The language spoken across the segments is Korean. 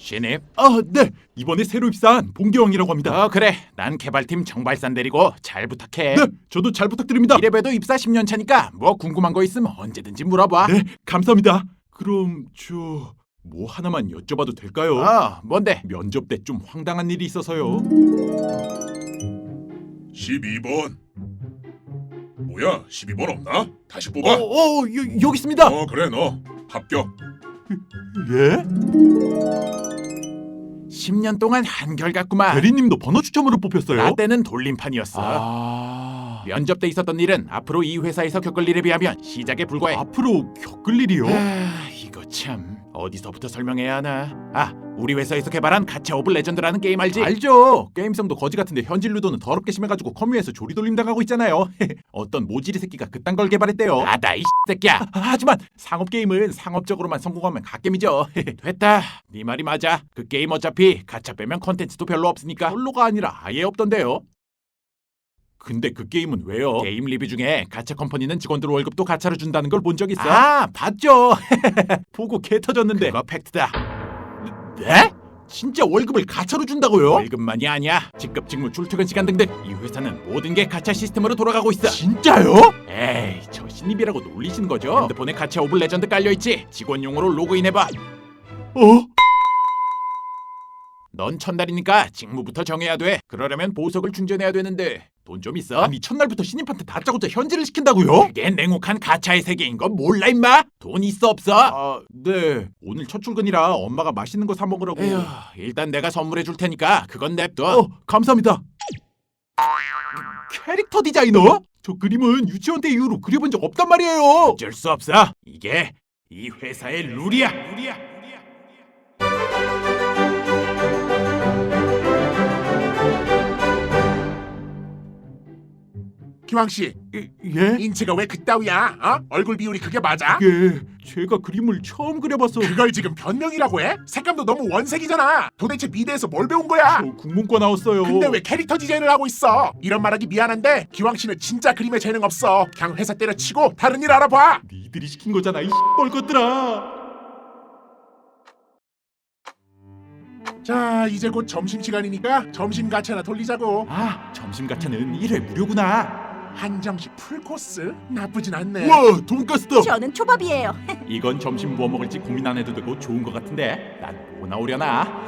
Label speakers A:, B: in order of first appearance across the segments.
A: 신입?
B: 네. 이번에 새로 입사한 봉기왕이라고 합니다.
A: 그래. 난 개발팀 정발산 데리고 잘 부탁해.
B: 네, 저도 잘 부탁드립니다.
A: 이래봬도 입사 10년 차니까 뭐 궁금한 거 있으면 언제든지 물어봐.
B: 네, 감사합니다. 그럼 저 뭐 하나만 여쭤봐도 될까요?
A: 뭔데?
B: 면접 때 좀 황당한 일이 있어서요.
C: 12번. 뭐야? 12번 없나? 다시 뽑아.
B: 여기 있습니다.
C: 그래 너 합격.
B: 예?
A: 10년 동안 한결같구만.
B: 대리님도 번호 추첨으로 뽑혔어요?
A: 나 때는 돌림판이었어. 면접 때 있었던 일은 앞으로 이 회사에서 겪을 일에 비하면 시작에 불과해.
B: 앞으로 겪을 일이요?
A: 이거 참 어디서부터 설명해야 하나. 우리 회사에서 개발한 가챠 오브 레전드라는 게임 알지?
B: 알죠. 게임성도 거지 같은데 현질 루도는 더럽게 심해가지고 커뮤에서 조리돌림 당하고 있잖아요. 어떤 모지리 새끼가 그딴 걸 개발했대요.
A: 나다 이 새끼야.
B: 하지만 상업 게임은 상업적으로만 성공하면 갓겜이죠.
A: 됐다. 네 말이 맞아. 그 게임 어차피 가챠 빼면 컨텐츠도 별로 없으니까.
B: 별로가 아니라 아예 없던데요. 근데 그 게임은 왜요?
A: 게임 리뷰 중에 가챠 컴퍼니는 직원들 월급도 가차로 준다는 걸 본 적 있어?
B: 봤죠. 보고 개 터졌는데.
A: 그거 팩트다.
B: 네? 진짜 월급을 가차로 준다고요?
A: 월급만이 아니야. 직급, 직무, 출퇴근 시간 등등 이 회사는 모든 게 가챠 시스템으로 돌아가고 있어.
B: 진짜요?
A: 에이, 저 신입이라고 놀리시는 거죠? 핸드폰에 가챠 오브 레전드 깔려있지? 직원용으로 로그인해봐. 넌 첫날이니까 직무부터 정해야 돼. 그러려면 보석을 충전해야 되는데 돈 좀 있어?
B: 아니 첫날부터 신입한테 다짜고짜 현질을 시킨다고요?
A: 그게 냉혹한 가챠의 세계인 건 몰라 임마? 돈 있어 없어?
B: 네. 오늘 첫 출근이라 엄마가 맛있는 거 사 먹으라고.
A: 에휴, 일단 내가 선물해 줄 테니까 그건 냅둬.
B: 감사합니다. 캐릭터 디자이너? 저 그림은 유치원 때 이후로 그려본 적 없단 말이에요.
A: 어쩔 수 없어. 이게 이 회사의 룰이야.
C: 기왕 씨,
B: 예?
C: 인체가 왜 그따위야? 얼굴 비율이 그게 맞아?
B: 예. 제가 그림을 처음 그려봐서.
C: 그걸 지금 변명이라고 해? 색감도 너무 원색이잖아. 도대체 미대에서 뭘 배운 거야?
B: 저 국문과 나왔어요.
C: 근데 왜 캐릭터 디자인을 하고 있어? 이런 말하기 미안한데 기왕 씨는 진짜 그림에 재능 없어. 그냥 회사 때려치고 다른 일 알아봐.
B: 니들이 시킨 거잖아 이 X벌 것들아.
C: 자, 이제 곧 점심시간이니까 점심 가차나 돌리자고.
B: 점심 가차는 1회 무료구나.
C: 한정식 풀코스? 나쁘진 않네.
B: 우와, 돈가스다.
D: 저는 초밥이에요.
B: 이건 점심 뭐 먹을지 고민 안 해도 되고 좋은 거 같은데 난 뭐 나오려나?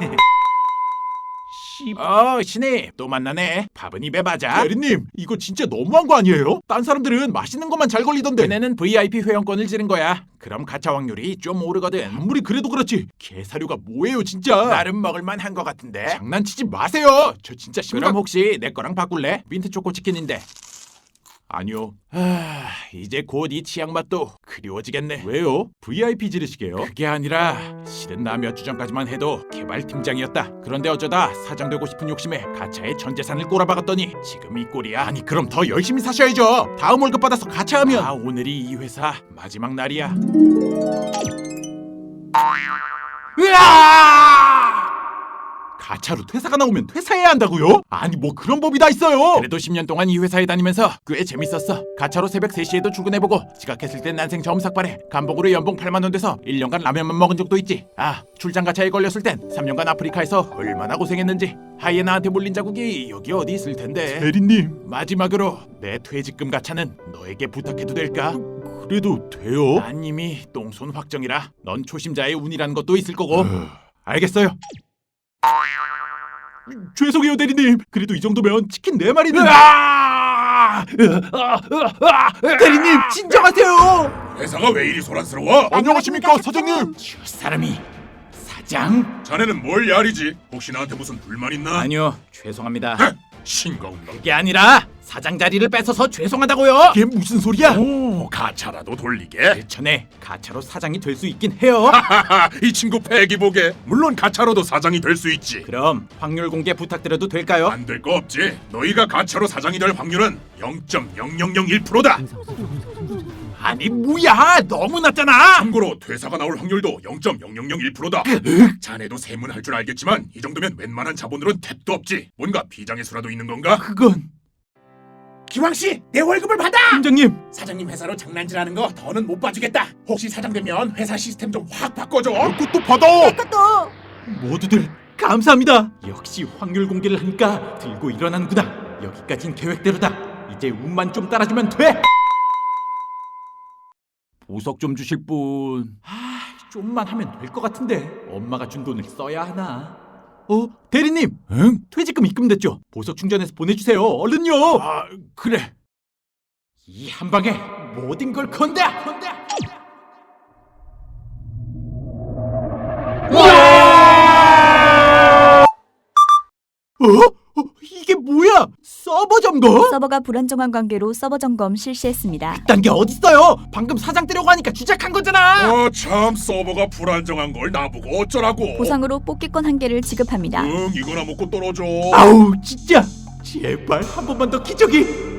A: 신입 또 만나네. 밥은 입에 맞아.
B: 대리님 이거 진짜 너무한 거 아니에요? 딴 사람들은 맛있는 것만 잘 걸리던데.
A: 걔네는 VIP 회원권을 지른 거야. 그럼 가차 확률이 좀 오르거든.
B: 아무리 그래도 그렇지 개사료가 뭐예요 진짜.
A: 나름 먹을만 한 거 같은데.
B: 장난치지 마세요. 저 진짜
A: 그럼 혹시 내 거랑 바꿀래? 민트 초코 치킨인데.
B: 아니요.
A: 이제 곧 이 치약 맛도 그리워지겠네.
B: 왜요? VIP 지르시게요?
A: 그게 아니라 실은 나 몇 주 전까지만 해도 개발팀장이었다. 그런데 어쩌다 사장되고 싶은 욕심에 가차에 전 재산을 꼬라박았더니 지금 이 꼴이야.
B: 아니 그럼 더 열심히 사셔야죠. 다음 월급 받아서 가차하면.
A: 오늘이 이 회사 마지막 날이야.
B: 가차로 퇴사가 나오면 퇴사해야 한다고요? 아니 뭐 그런 법이 다 있어요.
A: 그래도 10년 동안 이 회사에 다니면서 꽤 재밌었어. 가차로 새벽 3시에도 출근해보고 지각했을 땐 난생 처음 삭발해. 감봉으로 연봉 8만 원 돼서 1년간 라면만 먹은 적도 있지. 출장 가차에 걸렸을 땐 3년간 아프리카에서 얼마나 고생했는지. 하이에나한테 몰린 자국이 여기 어디 있을 텐데.
B: 대리님
A: 마지막으로 내 퇴직금 가차는 너에게 부탁해도 될까?
B: 그래도 돼요?
A: 난 이미 똥손 확정이라 넌 초심자의 운이라는 것도 있을 거고. 알겠어요.
B: 죄송해요 대리님. 그래도 이 정도면 치킨 4마리는. 대리님 진정하세요.
C: 회사가 왜 이리 소란스러워?
B: 안녕하십니까 사장님.
A: 저 사람이 사장?
C: 자네는 뭘 야리지? 혹시 나한테 무슨 불만 있나?
A: 아니요, 죄송합니다.
C: 싱거운 놈.
A: 그게 아니라 사장 자리를 뺏어서 죄송하다고요.
B: 이게 무슨 소리야?
C: 오, 가차라도 돌리게?
A: 전에 가차로 사장이 될 수 있긴 해요.
C: 이 친구 패기 보게. 물론 가차로도 사장이 될 수 있지.
A: 그럼 확률 공개 부탁드려도 될까요?
C: 안 될 거 없지. 너희가 가차로 사장이 될 확률은 0.0001%다.
A: 아니 뭐야, 너무 낮잖아.
C: 참고로 퇴사가 나올 확률도 0.0001%다. 자네도 세문 할 줄 알겠지만 이 정도면 웬만한 자본으론 택도 없지. 뭔가 비장의 수라도 있는 건가?
B: 그건
C: 기왕씨, 내 월급을 받아!
B: 팀장님.
C: 사장님 회사로 장난질하는 거 더는 못 봐주겠다. 혹시 사장 되면 회사 시스템 좀 확 바꿔줘.
B: 그것도 받아.
D: 그것도
B: 모두들 감사합니다. 역시 확률 공개를 하니까 들고 일어나는구나. 여기까진 계획대로다. 이제 운만 좀 따라주면 돼. 보석 좀 주실 분. 좀만 하면 될 것 같은데 엄마가 준 돈을 써야 하나? 대리님.
A: 응?
B: 퇴직금 입금됐죠? 보석 충전해서 보내주세요. 얼른요.
A: 아, 그래.
B: 이 한 방에 모든 걸 건다. 이게 뭐야? 서버 점거?
D: 서버가 불안정한 관계로 서버 점검 실시했습니다.
B: 딴 게 어딨어요? 방금 사장 뜨려고 하니까 주작한 거잖아.
C: 참 서버가 불안정한 걸 나보고 어쩌라고.
D: 보상으로 뽑기권 1개를 지급합니다.
C: 이거나 먹고 떨어져.
B: 아우 진짜 제발 한 번만 더 기적이.